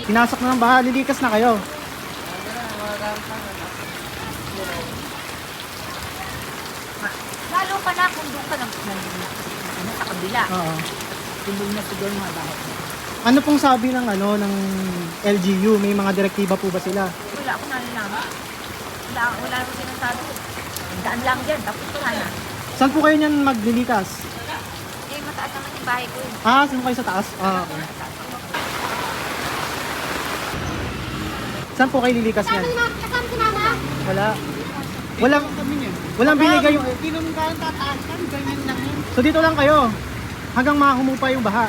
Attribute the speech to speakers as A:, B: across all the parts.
A: Pinasok na ng baha, lilikas na kayo.
B: Lalo pa na kung doon ka sa kabila.
A: Oo.
B: Tumbog na siguro mga bahay.
A: Ano pong sabi ng ng LGU? May mga direktiba po ba sila?
B: Wala akong nalalaman. Wala akong sinasabi. Daan lang dyan, tapos wala na.
A: Saan po kayo niyan maglilikas?
B: Eh, mataas naman yung bahay ko.
A: Saan kayo sa taas? Okay. Saan po kayo lilikas niyan?
B: Kasama si mama?
A: Wala. Walang binigay yung...
B: Tinong ka ang tataasan, ganyan lang yun.
A: So dito lang kayo. Hanggang mahumupa yung baha.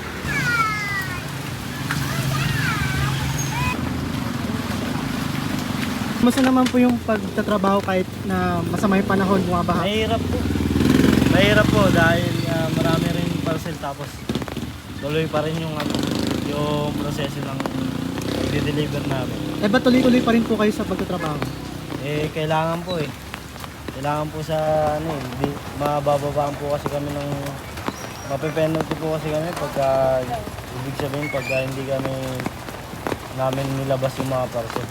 A: Kumusta naman po yung pagtatrabaho kahit na masama yung panahon, bumabaha?
C: Mahirap po. Mahirap po dahil marami rin parcel tapos tuloy pa rin yung proseso ng i-deliver namin.
A: Eh ba't tuloy-tuloy pa rin po kayo sa pagtatrabaho?
C: Eh kailangan po eh. Kailangan po sa mabababaan po kasi kami ng mape-penalty po kasi kami pagka ibig sabihin pagka hindi kami namin nilabas yung mga parcel.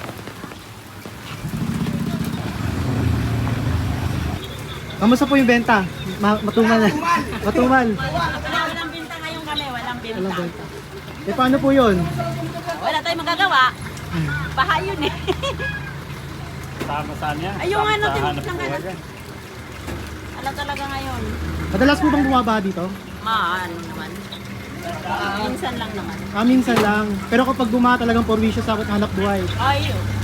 A: Kamusta po yung benta? Matumal na. Matumal.
B: Walang binta ngayon kami, walang binta.
A: Walang benta. Eh paano po yun?
B: Wala tayong magagawa. Baha yun eh.
C: Tama saan yan?
B: Ay, yung ano, tinutlang ka na. Alam talaga ngayon.
A: Madalas po bang bumabaha dito?
B: Ano naman. Minsan lang naman.
A: Minsan lang. Pero kapag bumaha talagang porwisyo sa hanap buhay.
B: Ayun.